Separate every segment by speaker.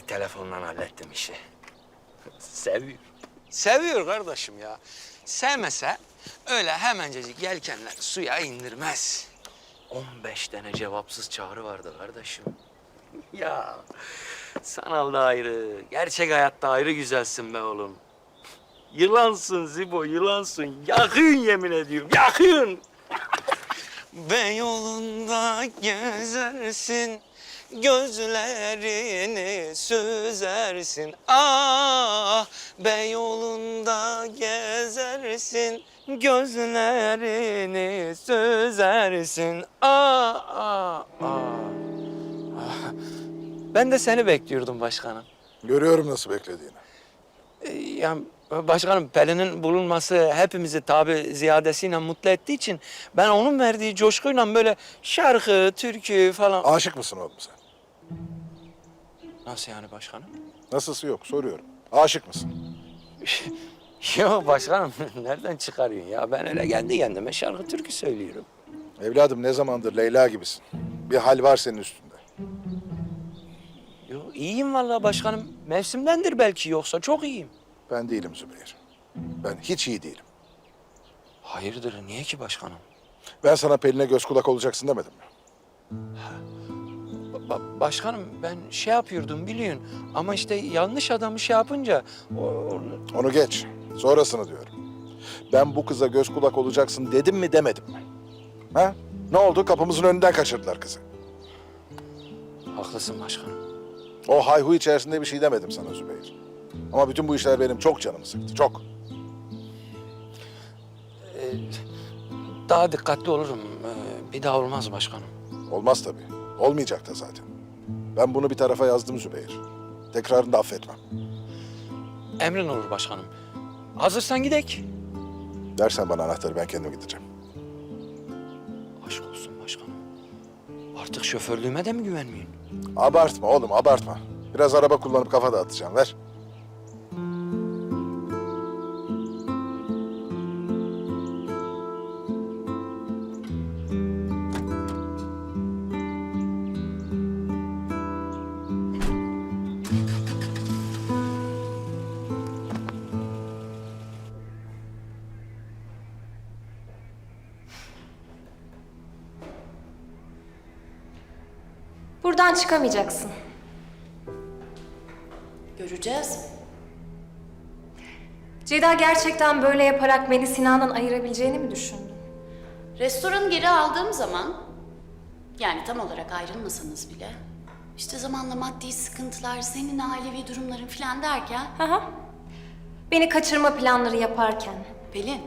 Speaker 1: telefonla hallettim işi. Seviyor.
Speaker 2: Seviyor kardeşim ya. Sevmese öyle hemencecik yelkenler suya indirmez.
Speaker 1: 15 tane cevapsız çağrı vardı kardeşim. Ya sanalda ayrı, gerçek hayatta ayrı güzelsin be oğlum. Yılansın Zibo, yılansın. Yakın yemin ediyorum, yakın.
Speaker 2: Beyoğlu'nda gezersin, gözlerini süzersin. Ah, Beyoğlu'nda gezersin, gözlerini süzersin. Ah. Ben de seni bekliyordum başkanım.
Speaker 3: Görüyorum nasıl beklediğini.
Speaker 2: Yani başkanım Pelin'in bulunması hepimizi tabi ziyadesiyle mutlu ettiği için ben onun verdiği coşkuyla böyle şarkı, türkü falan...
Speaker 3: Aşık mısın oğlum sen?
Speaker 2: Nasıl yani başkanım?
Speaker 3: Nasılsı yok soruyorum. Aşık mısın?
Speaker 2: Yok başkanım nereden çıkarıyorsun ya? Ben öyle kendi kendime şarkı, türkü söylüyorum.
Speaker 3: Evladım ne zamandır Leyla gibisin. Bir hal var senin üstünde.
Speaker 2: Yok iyiyim vallahi başkanım. Mevsimdendir belki yoksa çok iyiyim.
Speaker 3: Ben değilim Zübeyir. Ben hiç iyi değilim.
Speaker 2: Hayırdır niye ki başkanım?
Speaker 3: Ben sana Pelin'e göz kulak olacaksın demedim mi?
Speaker 2: Başkanım ben şey yapıyordum biliyorsun ama işte yanlış adamı şey yapınca...
Speaker 3: Onu geç. Sonrasını diyorum. Ben bu kıza göz kulak olacaksın dedim mi demedim mi? Ha? Ne oldu? Kapımızın önünden kaçırdılar kızı.
Speaker 2: Haklısın başkanım.
Speaker 3: O hayhu içerisinde bir şey demedim sana Zübeyir. Ama bütün bu işler benim çok canımı sıktı. Çok.
Speaker 2: Daha dikkatli olurum. Bir daha olmaz başkanım.
Speaker 3: Olmaz tabii. Olmayacak da zaten. Ben bunu bir tarafa yazdım Zübeyir. Tekrarını da affetmem.
Speaker 2: Emrin olur başkanım. Hazırsan gidek.
Speaker 3: Dersen bana anahtarı ben kendim gideceğim.
Speaker 2: Aşk olsun başkanım. Artık şoförlüğüme de mi güvenmiyorsun?
Speaker 3: Abartma oğlum abartma. Biraz araba kullanıp kafa dağıtacağım. Ver.
Speaker 4: Buradan çıkamayacaksın.
Speaker 5: Göreceğiz.
Speaker 4: Ceyda gerçekten böyle yaparak beni Sinan'dan ayırabileceğini mi düşündün?
Speaker 5: Restoranı geri aldığım zaman, yani tam olarak ayrılmasanız bile, işte zamanla maddi sıkıntılar, senin ailevi durumların falan derken...
Speaker 4: Hı. Beni kaçırma planları yaparken.
Speaker 5: Pelin,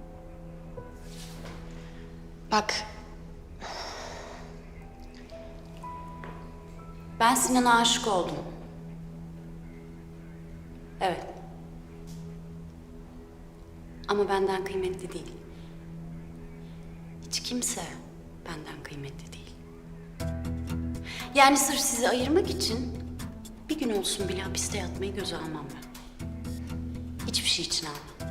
Speaker 5: bak, ben Sinan'a aşık oldum. Evet. Ama benden kıymetli değil. Hiç kimse benden kıymetli değil. Yani sırf sizi ayırmak için bir gün olsun bile hapiste yatmayı göze almam ben. Hiçbir şey için almam.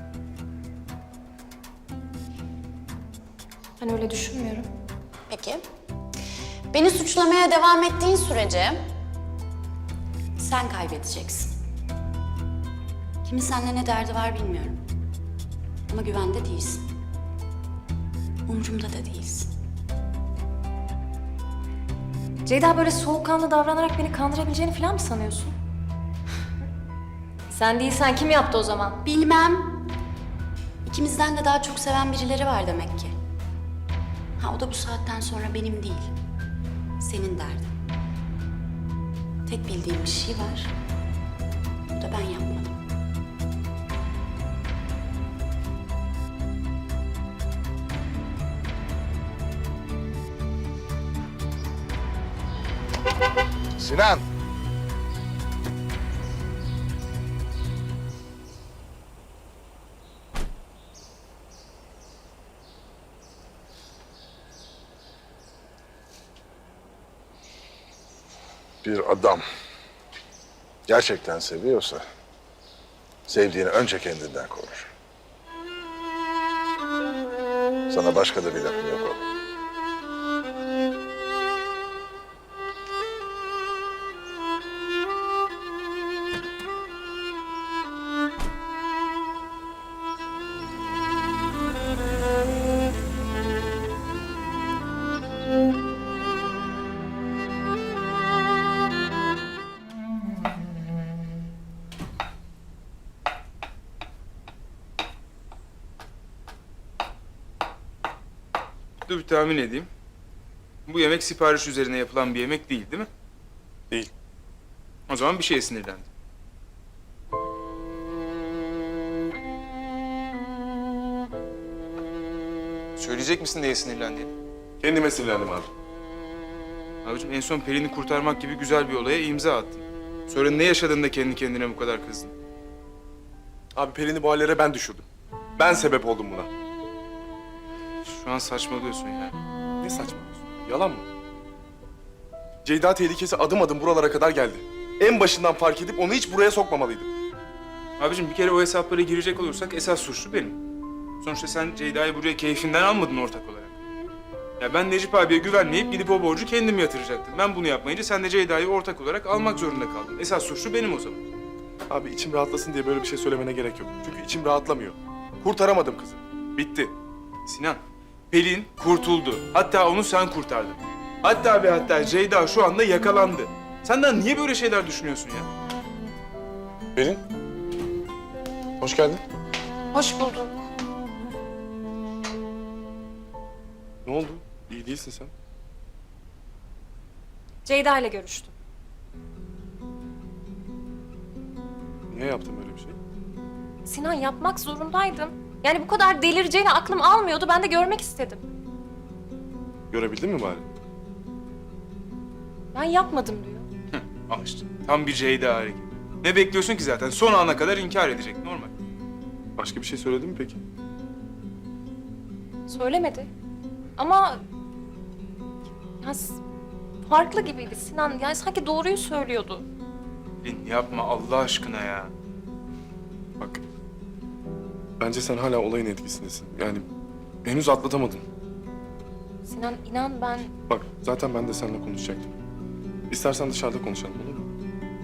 Speaker 4: Ben öyle düşünmüyorum.
Speaker 5: Peki. Beni suçlamaya devam ettiğin sürece sen kaybedeceksin. Kimin seninle ne derdi var bilmiyorum. Ama güvende değilsin. Umurumda da değilsin.
Speaker 4: Ceyda böyle soğukkanlı davranarak beni kandırabileceğini falan mı sanıyorsun? Sen değilsen kim yaptı o zaman?
Speaker 5: Bilmem. İkimizden de daha çok seven birileri var demek ki. Ha o da bu saatten sonra benim değil. Senin derdin. Tek bildiğim bir şey var. Bu da ben yapmadım.
Speaker 3: Sinan. Bir adam gerçekten seviyorsa sevdiğini önce kendinden korur. Sana başka da bir lafım yok oğlum.
Speaker 6: Dur bir tahmin edeyim. Bu yemek sipariş üzerine yapılan bir yemek değil, değil mi?
Speaker 7: Değil.
Speaker 6: O zaman bir şeye sinirlendim. Söyleyecek misin neye sinirlendiğini?
Speaker 7: Kendime sinirlendim abi.
Speaker 6: Abicim en son Pelin'i kurtarmak gibi güzel bir olaya imza attın. Sonra ne yaşadın da kendi kendine bu kadar kızdın?
Speaker 7: Abi Pelin'i bu hallere ben düşürdüm. Ben sebep oldum buna.
Speaker 6: Şu an saçmalıyorsun ya.
Speaker 7: Ne saçmalıyorsun? Yalan mı? Ceyda tehlikesi adım adım buralara kadar geldi. En başından fark edip onu hiç buraya sokmamalıydım.
Speaker 6: Abicim bir kere o hesaplara girecek olursak esas suçlu benim. Sonuçta sen Ceyda'yı buraya keyfinden almadın ortak olarak. Ya ben Necip abiye güvenmeyip gidip o borcu kendim yatıracaktım. Ben bunu yapmayınca sen de Ceyda'yı ortak olarak almak zorunda kaldın. Esas suçlu benim o zaman.
Speaker 7: Abi içim rahatlasın diye böyle bir şey söylemene gerek yok. Çünkü içim rahatlamıyor. Kurtaramadım kızı. Bitti.
Speaker 6: Sinan, Pelin kurtuldu. Hatta onu sen kurtardın. Hatta ve hatta Ceyda şu anda yakalandı. Senden niye böyle şeyler düşünüyorsun ya?
Speaker 7: Pelin. Hoş geldin.
Speaker 4: Hoş bulduk.
Speaker 7: Ne oldu? İyi değilsin sen.
Speaker 4: Ceyda ile görüştüm.
Speaker 7: Niye yaptın böyle bir şey?
Speaker 4: Sinan, yapmak zorundaydım. Yani bu kadar delireceğini aklım almıyordu. Ben de görmek istedim.
Speaker 7: Görebildin mi bari?
Speaker 4: Ben yapmadım diyor.
Speaker 6: Al işte. Tam bir Ceyda hareketi. Ne bekliyorsun ki zaten? Son ana kadar inkar edecek. Normal.
Speaker 7: Başka bir şey söyledi mi peki?
Speaker 4: Söylemedi. Ama ya farklı gibiydi Sinan. Yani sanki doğruyu söylüyordu.
Speaker 6: Pelin yapma Allah aşkına ya.
Speaker 7: Bak. Bence sen hala olayın etkisindesin. Yani henüz atlatamadın.
Speaker 4: Sinan inan ben...
Speaker 7: Bak zaten ben de seninle konuşacaktım. İstersen dışarıda konuşalım olur mu?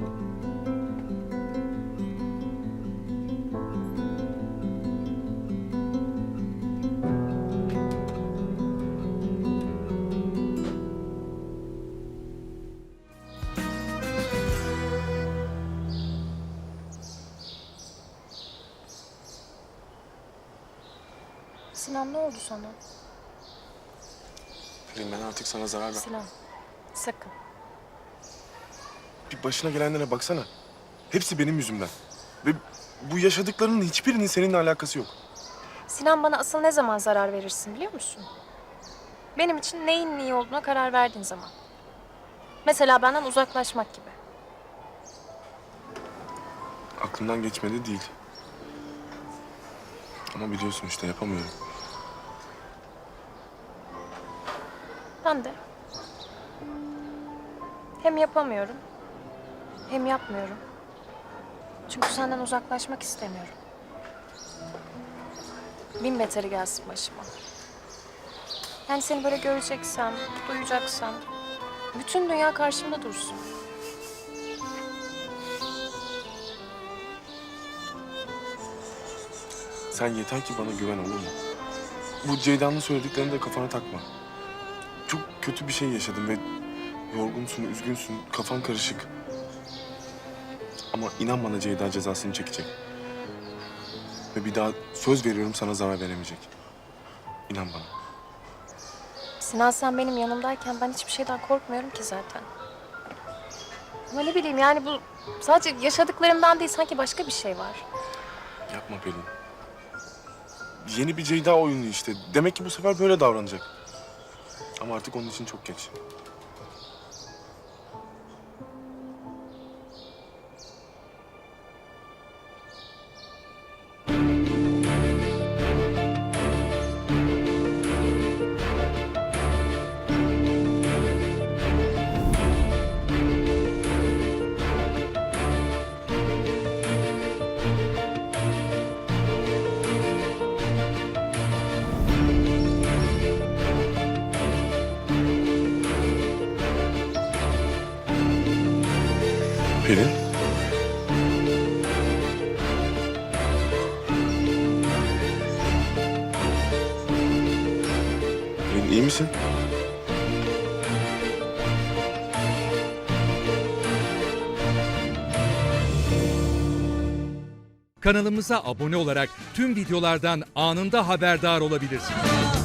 Speaker 4: Sinan ne oldu sana?
Speaker 7: Pelin ben artık sana zarar ver.
Speaker 4: Sinan sakın.
Speaker 7: Bir başına gelenlere baksana. Hepsi benim yüzümden. Ve bu yaşadıklarının hiçbirinin seninle alakası yok.
Speaker 4: Sinan bana asıl ne zaman zarar verirsin biliyor musun? Benim için neyin iyi olduğuna karar verdiğin zaman. Mesela benden uzaklaşmak gibi.
Speaker 7: Aklımdan geçmedi değil. Ama biliyorsun işte yapamıyorum.
Speaker 4: Ben de. Hem yapamıyorum, hem yapmıyorum. Çünkü senden uzaklaşmak istemiyorum. Bin beteri gelsin başıma. Yani seni böyle göreceksem, duyacaksam... bütün dünya karşımda dursun.
Speaker 7: Sen yeter ki bana güven olur mu? Bu Ceyda'nın söylediklerini de kafana takma. Çok kötü bir şey yaşadın ve yorgunsun, üzgünsün, kafan karışık. Ama inan bana Ceyda cezasını çekecek. Ve bir daha söz veriyorum sana zarar veremeyecek. İnan bana.
Speaker 4: Sinan sen benim yanımdayken ben hiçbir şeyden korkmuyorum ki zaten. Ama ne bileyim yani bu sadece yaşadıklarımdan değil sanki başka bir şey var.
Speaker 7: Yapma Pelin. Yeni bir Ceyda oyunu işte. Demek ki bu sefer böyle davranacak. Ama artık onun için çok geç. Pelin. Pelin iyi misin?
Speaker 8: Kanalımıza abone olarak tüm videolardan anında haberdar olabilirsiniz.